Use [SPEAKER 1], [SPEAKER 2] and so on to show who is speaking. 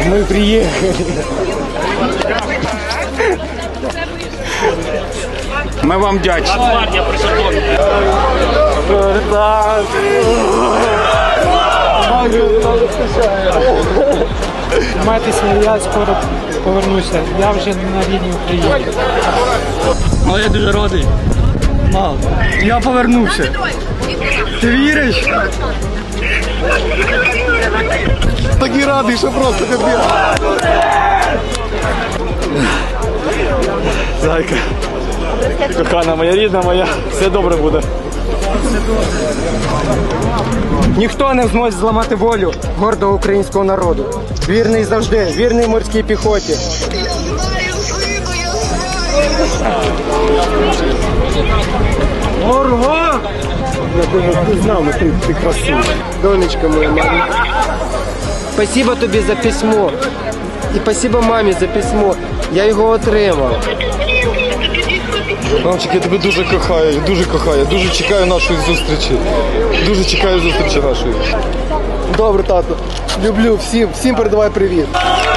[SPEAKER 1] Мы приехали.
[SPEAKER 2] Ми вам вдячні.
[SPEAKER 1] Тримайтеся, я скоро повернуся. Я вже на рідній Україні.
[SPEAKER 3] Але я дуже радий. Мам, я повернувся. Ти віриш?
[SPEAKER 4] Такий радий, що просто капець.
[SPEAKER 3] Зайка, кохана моя, рідна моя, все добре буде.
[SPEAKER 1] Ніхто не зможе зламати волю гордого українського народу. Вірний завжди, вірний морській піхоті. Орго!
[SPEAKER 4] Ти знав, ти красивий.
[SPEAKER 1] Донечка моя маленька. Спасибо тобі за письмо. І спасибо мамі за письмо. Я його отримав.
[SPEAKER 4] Мамчик, я тебе дуже кохаю, дуже чекаю нашої зустрічі. Дуже чекаю зустрічі нашої. Добре, тато. Люблю всім передавай привіт.